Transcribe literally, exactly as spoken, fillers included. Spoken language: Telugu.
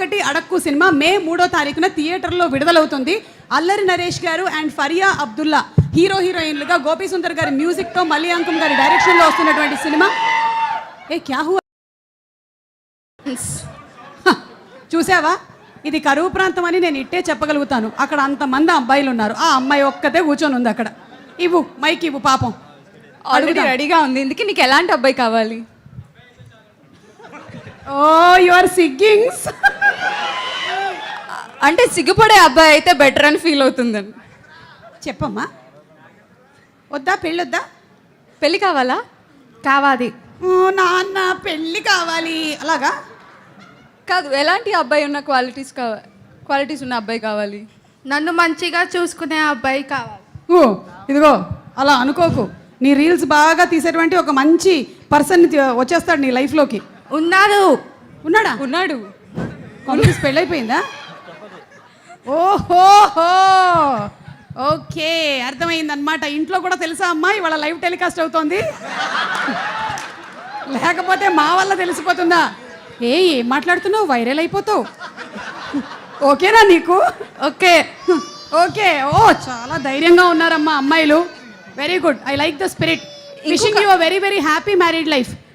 ఒకటి అడక్కు సినిమా మే మూడో తారీఖున థియేటర్లో విడుదలవుతుంది. అల్లరి నరేష్ గారు అండ్ ఫరియా అబ్దుల్లా హీరో హీరోయిన్లుగా, గోపీ సుందర్ గారి మ్యూజిక్తో, మల్లి అంకం గారి డైరెక్షన్లో వస్తున్నటువంటి సినిమా. ఏ క్యా హువా, చూసావా? ఇది కరువు ప్రాంతం అని నేను ఇట్టే చెప్పగలుగుతాను. అక్కడ అంతమంది అబ్బాయిలు ఉన్నారు, ఆ అమ్మాయి ఒక్కతే కూర్చొని ఉంది అక్కడ. ఇవ్వు మైక్ ఇవ్వు పాపం. ఆల్రెడీ రెడీగా ఉంది. ఇందుకే నీకు ఎలాంటి అబ్బాయి కావాలి? ఓ యు ఆర్ సిగ్గింగ్స్. అంటే సిగ్గుపడే అబ్బాయి అయితే బెటర్ అని ఫీల్ అవుతుందని చెప్పమ్మా. వద్దా పెళ్ళొద్దా? పెళ్ళి కావాలా? కావాలి. ఓ నాన్న పెళ్ళి కావాలి అలాగా కాదు, ఎలాంటి అబ్బాయి ఉన్న క్వాలిటీస్ కావాలి, క్వాలిటీస్ ఉన్న అబ్బాయి కావాలి? నన్ను మంచిగా చూసుకునే అబ్బాయి కావాలి. ఓ ఇదిగో అలా అనుకోకు. నీ రీల్స్ బాగా తీసేటువంటి ఒక మంచి పర్సన్ వచ్చేస్తాడు నీ లైఫ్లోకి. ఉన్నారు. ఉన్నాడా? ఉన్నాడు. కాంగ్రెస్ పెళ్ళైపోయిందా? ఓహోహో ఓకే అర్థమైందనమాట. ఇంట్లో కూడా తెలుసా అమ్మా ఇవాళ లైవ్ టెలికాస్ట్ అవుతోంది? లేకపోతే మా వల్ల తెలిసిపోతుందా? ఏ ఏం మాట్లాడుతున్నావు, వైరల్ అయిపోతావు. ఓకేనా నీకు? Okay okay. ఓ చాలా ధైర్యంగా ఉన్నారమ్మా అమ్మాయిలు. Very good, I like the spirit. Wishing you a very very happy married life.